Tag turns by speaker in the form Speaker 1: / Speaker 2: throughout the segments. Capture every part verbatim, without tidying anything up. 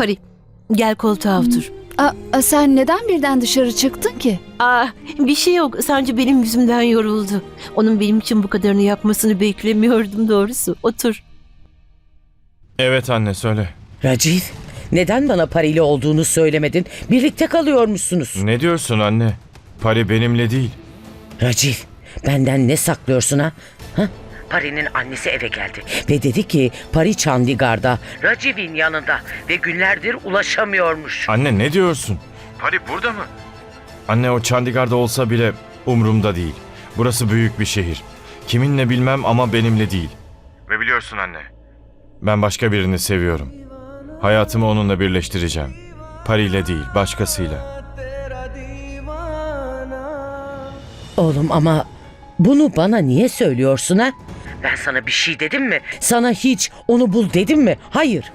Speaker 1: Pari, gel koltuğa otur.
Speaker 2: Aa, a, sen neden birden dışarı çıktın ki?
Speaker 1: Aa, bir şey yok. Sadece benim yüzümden yoruldu. Onun benim için bu kadarını yapmasını beklemiyordum doğrusu. Otur.
Speaker 3: Evet anne, söyle.
Speaker 4: Raciv, neden bana Pari'yle olduğunu söylemedin? Birlikte kalıyormuşsunuz.
Speaker 3: Ne diyorsun anne? Pari benimle değil.
Speaker 4: Raciv, benden ne saklıyorsun ha? ha? Pari'nin annesi eve geldi ve dedi ki Pari Chandigarh'da, Raciv'in yanında ve günlerdir ulaşamıyormuş.
Speaker 3: Anne ne diyorsun? Pari burada mı? Anne, o Chandigarh'da olsa bile umurumda değil. Burası büyük bir şehir. Kiminle bilmem ama benimle değil. Ve biliyorsun anne, ben başka birini seviyorum. Hayatımı onunla birleştireceğim. Pari'yle değil, başkasıyla.
Speaker 4: Oğlum ama bunu bana niye söylüyorsun ha? Ben sana bir şey dedim mi? Sana hiç onu bul dedim mi? Hayır.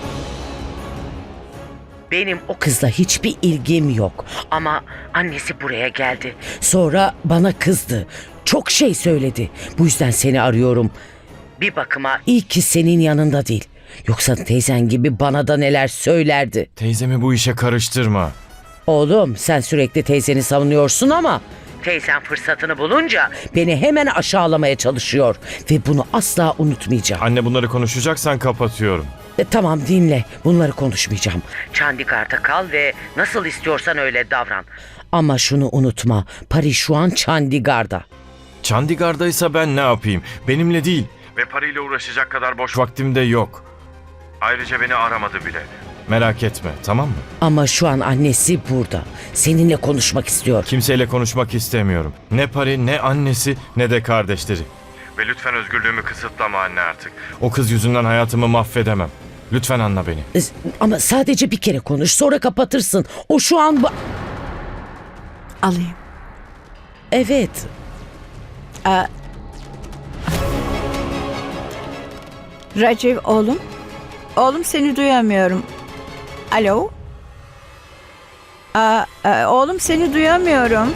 Speaker 4: Benim o kızla hiçbir ilgim yok. Ama annesi buraya geldi. Sonra bana kızdı. Çok şey söyledi. Bu yüzden seni arıyorum. Bir bakıma iyi ki senin yanında değil. Yoksa teyzen gibi bana da neler söylerdi.
Speaker 3: Teyzemi bu işe karıştırma.
Speaker 4: Oğlum, sen sürekli teyzeni savunuyorsun ama teyzen fırsatını bulunca beni hemen aşağılamaya çalışıyor ve bunu asla unutmayacağım.
Speaker 3: Anne, bunları konuşacaksan kapatıyorum.
Speaker 4: E, tamam, dinle. Bunları konuşmayacağım. Chandigarh'da kal ve nasıl istiyorsan öyle davran. Ama şunu unutma. Pari şu an Chandigarh'da.
Speaker 3: Chandigarh'daysa ben ne yapayım? Benimle değil. Ve Pari ile uğraşacak kadar boş vaktim de yok. Ayrıca beni aramadı bile. Merak etme, tamam mı?
Speaker 4: Ama şu an annesi burada. Seninle konuşmak istiyor.
Speaker 3: Kimseyle konuşmak istemiyorum. Ne Pari, ne annesi, ne de kardeşleri. Ve lütfen özgürlüğümü kısıtlama anne artık. O kız yüzünden hayatımı mahvedemem. Lütfen anla beni.
Speaker 4: E, Ama sadece bir kere konuş, sonra kapatırsın. O şu an... ba-
Speaker 5: Alayım.
Speaker 4: Evet.
Speaker 5: Aa, Raciv oğlum. Oğlum, seni duyamıyorum. Alo? Aa, e, oğlum, seni duyamıyorum.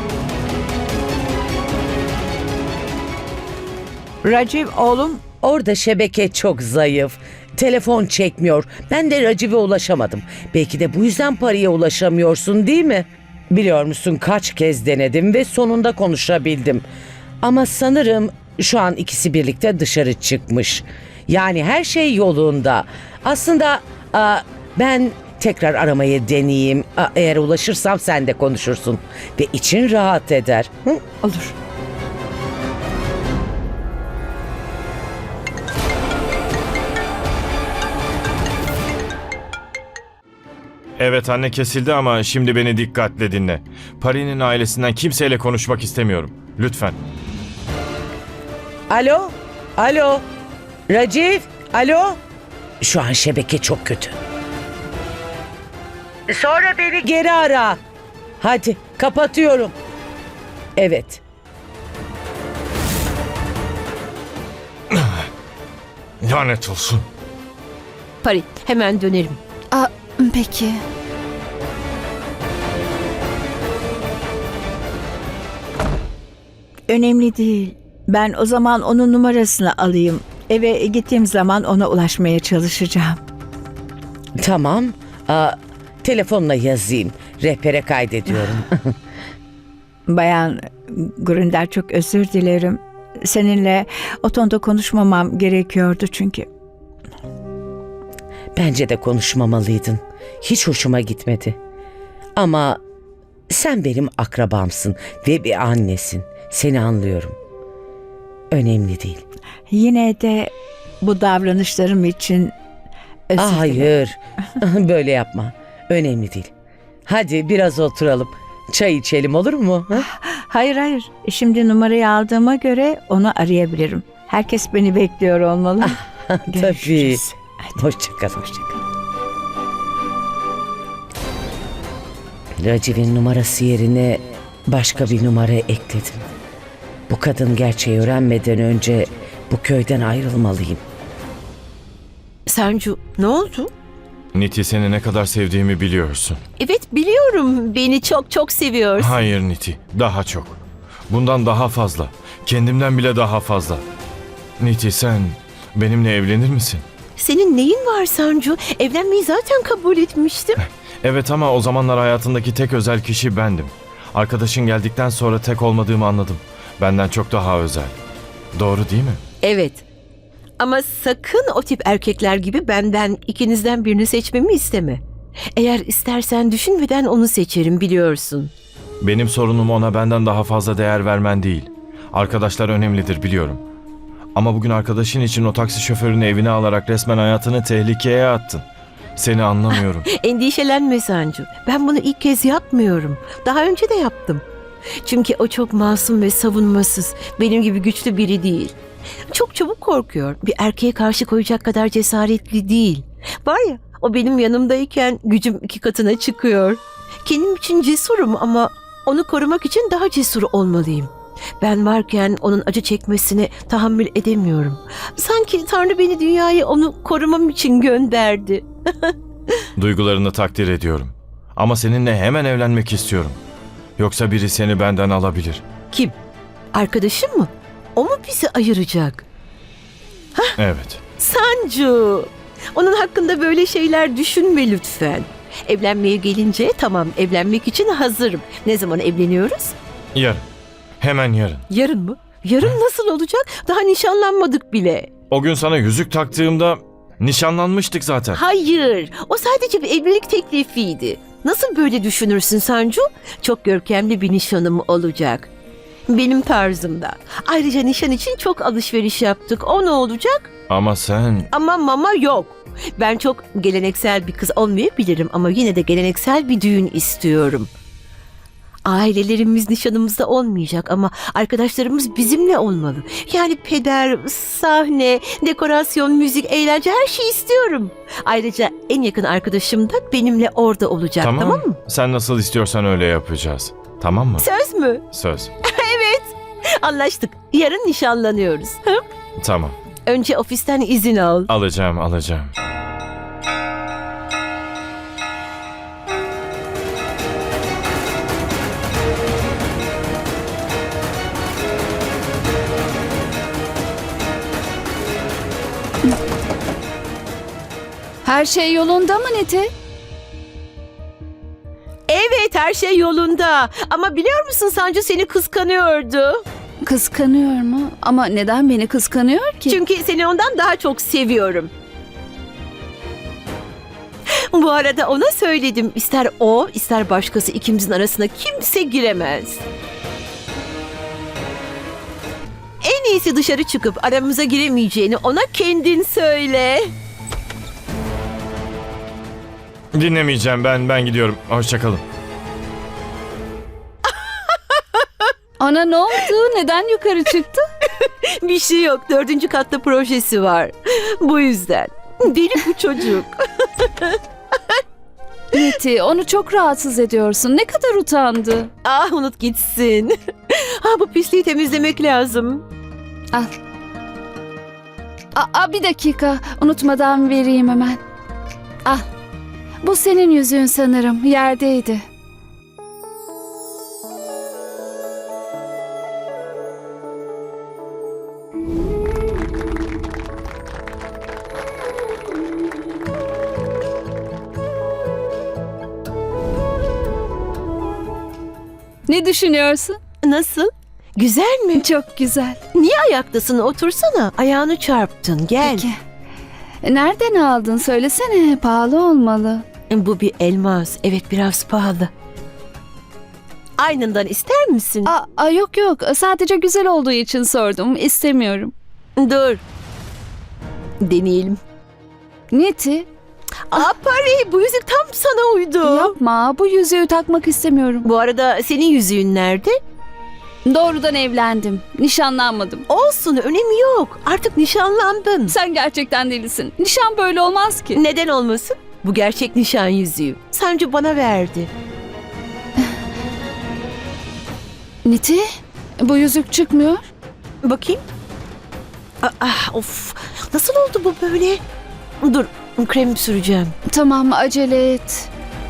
Speaker 5: Raciv oğlum.
Speaker 4: Orada şebeke çok zayıf. Telefon çekmiyor. Ben de Raciv'e ulaşamadım. Belki de bu yüzden Pari'ye ulaşamıyorsun, değil mi? Biliyor musun, kaç kez denedim ve sonunda konuşabildim. Ama sanırım şu an ikisi birlikte dışarı çıkmış. Yani her şey yolunda. Aslında a, ben tekrar aramayı deneyeyim. A, eğer ulaşırsam sen de konuşursun. Ve için rahat eder. Hı?
Speaker 5: Olur.
Speaker 3: Evet anne, kesildi ama şimdi beni dikkatle dinle. Pari'nin ailesinden kimseyle konuşmak istemiyorum. Lütfen.
Speaker 4: Alo? Alo? Raciv? Alo? Şu an şebeke çok kötü. Sonra beni geri ara. Hadi kapatıyorum. Evet.
Speaker 3: Lanet olsun.
Speaker 1: Pari, hemen dönerim.
Speaker 2: Aa, peki.
Speaker 5: Önemli değil. Ben o zaman onun numarasını alayım. Eve gittiğim zaman ona ulaşmaya çalışacağım.
Speaker 4: Tamam. Aa, telefonla yazayım. Rehbere kaydediyorum.
Speaker 5: Bayan Grunder, çok özür dilerim. Seninle o tonda konuşmamam gerekiyordu çünkü.
Speaker 4: Bence de konuşmamalıydın. Hiç hoşuma gitmedi. Ama sen benim akrabamsın ve bir annesin. Seni anlıyorum. Önemli değil.
Speaker 5: Yine de bu davranışlarım için özür
Speaker 4: Ah,
Speaker 5: dilerim.
Speaker 4: hayır. Böyle yapma. Önemli değil. Hadi biraz oturalım. Çay içelim, olur mu? Ha?
Speaker 5: Hayır hayır. Şimdi numarayı aldığıma göre onu arayabilirim. Herkes beni bekliyor olmalı.
Speaker 4: Tabii.
Speaker 5: Görüşürüz. Hadi.
Speaker 4: Hoşça kal. Hoşça kal. Raciv'in numarası yerine başka bir numara ekledim. Bu kadın gerçeği öğrenmeden önce bu köyden ayrılmalıyım.
Speaker 1: Sancu, ne oldu?
Speaker 3: Niti, seni ne kadar sevdiğimi biliyorsun.
Speaker 1: Evet, biliyorum. Beni çok çok seviyorsun.
Speaker 3: Hayır Niti, daha çok. Bundan daha fazla. Kendimden bile daha fazla. Niti, sen benimle evlenir misin?
Speaker 1: Senin neyin var Sancu? Evlenmeyi zaten kabul etmiştim.
Speaker 3: Evet ama o zamanlar hayatındaki tek özel kişi bendim. Arkadaşın geldikten sonra tek olmadığımı anladım. Benden çok daha özel. Doğru değil mi?
Speaker 1: Evet. Ama sakın o tip erkekler gibi benden ikinizden birini seçmemi isteme. Eğer istersen düşünmeden onu seçerim, biliyorsun.
Speaker 3: Benim sorunum ona benden daha fazla değer vermen değil. Arkadaşlar önemlidir biliyorum. Ama bugün arkadaşın için o taksi şoförünü evine alarak resmen hayatını tehlikeye attın. Seni anlamıyorum.
Speaker 1: Endişelenme Sancu. Ben bunu ilk kez yapmıyorum. Daha önce de yaptım. Çünkü o çok masum ve savunmasız. Benim gibi güçlü biri değil. Çok çabuk korkuyor. Bir erkeğe karşı koyacak kadar cesaretli değil. Var ya, o benim yanımdayken gücüm iki katına çıkıyor. Kendim için cesurum ama onu korumak için daha cesur olmalıyım. Ben varken onun acı çekmesine tahammül edemiyorum. Sanki Tanrı beni dünyaya onu korumam için gönderdi.
Speaker 3: Duygularını takdir ediyorum. Ama seninle hemen evlenmek istiyorum. Yoksa biri seni benden alabilir.
Speaker 1: Kim? Arkadaşım mı? O mu bizi ayıracak?
Speaker 3: Evet.
Speaker 1: Sancu! Onun hakkında böyle şeyler düşünme lütfen. Evlenmeye gelince tamam, evlenmek için hazırım. Ne zaman evleniyoruz?
Speaker 3: Yarın. Hemen yarın.
Speaker 1: Yarın mı? Yarın nasıl olacak? Daha nişanlanmadık bile.
Speaker 3: O gün sana yüzük taktığımda nişanlanmıştık zaten.
Speaker 1: Hayır, o sadece bir evlilik teklifiydi. Nasıl böyle düşünürsün Sancu? Çok görkemli bir nişanım olacak. Benim tarzımda. Ayrıca nişan için çok alışveriş yaptık. O ne olacak?
Speaker 3: Ama sen...
Speaker 1: Ama mama yok. Ben çok geleneksel bir kız olmayabilirim ama yine de geleneksel bir düğün istiyorum. Ailelerimiz nişanımızda olmayacak ama arkadaşlarımız bizimle olmalı. Yani peder, sahne, dekorasyon, müzik, eğlence, her şeyi istiyorum. Ayrıca en yakın arkadaşım da benimle orada olacak, tamam,
Speaker 3: Tamam.
Speaker 1: mı?
Speaker 3: Sen nasıl istiyorsan öyle yapacağız. Tamam mı?
Speaker 1: Söz mü?
Speaker 3: Söz.
Speaker 1: Anlaştık. Yarın nişanlanıyoruz. Hı?
Speaker 3: Tamam.
Speaker 1: Önce ofisten izin al.
Speaker 3: Alacağım, alacağım.
Speaker 2: Her şey yolunda mı Niti?
Speaker 1: Evet, her şey yolunda. Ama biliyor musun, Sancu seni kıskanıyordu.
Speaker 2: Kıskanıyor mu? Ama neden beni kıskanıyor ki?
Speaker 1: Çünkü seni ondan daha çok seviyorum. Bu arada ona söyledim. İster o, ister başkası, ikimizin arasına kimse giremez. En iyisi dışarı çıkıp aramıza giremeyeceğini ona kendin söyle.
Speaker 3: Dinlemeyeceğim ben, ben gidiyorum. Hoşça kalın.
Speaker 2: Ana ne oldu? Neden yukarı çıktı?
Speaker 1: Bir şey yok. Dördüncü katta projesi var. Bu yüzden. Deli bu çocuk.
Speaker 2: Niti, onu çok rahatsız ediyorsun. Ne kadar utandı.
Speaker 1: Ah, unut gitsin. Ha, bu pisliği temizlemek lazım.
Speaker 2: Al. Aa, bir dakika. Unutmadan vereyim hemen. Al. Bu senin yüzüğün sanırım. Yerdeydi. Ne düşünüyorsun?
Speaker 1: Nasıl? Güzel mi?
Speaker 2: Çok güzel.
Speaker 1: Niye ayaktasın? Otursana. Ayağını çarptın. Gel.
Speaker 2: Peki. Nereden aldın? Söylesene. Pahalı olmalı.
Speaker 1: Bu bir elmas. Evet, biraz pahalı. Aynından ister misin?
Speaker 2: Aa, aa, yok yok. Sadece güzel olduğu için sordum. İstemiyorum.
Speaker 1: Dur. Deneyelim.
Speaker 2: Niti,
Speaker 1: Aa, Pari, bu yüzük tam sana uydu.
Speaker 2: yapma. Bu yüzüğü takmak istemiyorum.
Speaker 1: Bu arada senin yüzüğün nerede?
Speaker 2: Doğrudan evlendim. Nişanlanmadım.
Speaker 1: Olsun, önemi yok. Artık nişanlandın.
Speaker 2: Sen gerçekten delisin. Nişan böyle olmaz ki.
Speaker 1: Neden olmasın? Bu gerçek nişan yüzüğü. Sancu bana verdi.
Speaker 2: Niti, bu yüzük çıkmıyor.
Speaker 1: Bakayım. Aa, ah, of. Nasıl oldu bu böyle? Dur, krem süreceğim.
Speaker 2: Tamam, acele et.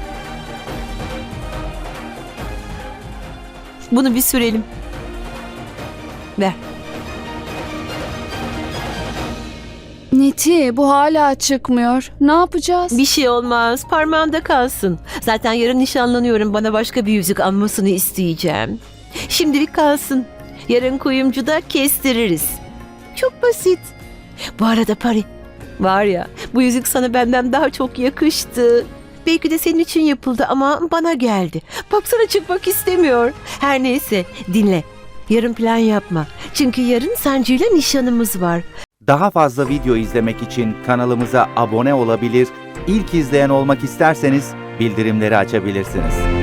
Speaker 1: Bunu bir sürelim. Ver.
Speaker 2: Niti, bu hala çıkmıyor. Ne yapacağız?
Speaker 1: Bir şey olmaz. Parmağında kalsın. Zaten yarın nişanlanıyorum. Bana başka bir yüzük almasını isteyeceğim. Şimdilik kalsın. Yarın kuyumcuda kestiririz. Çok basit. Bu arada Pari, var ya, bu yüzük sana benden daha çok yakıştı. Belki de senin için yapıldı ama bana geldi. Baksana, çıkmak istemiyor. Her neyse, dinle. Yarın plan yapma. Çünkü yarın Sancu ile nişanımız var.
Speaker 6: Daha fazla video izlemek için kanalımıza abone olabilir, ilk izleyen olmak isterseniz bildirimleri açabilirsiniz.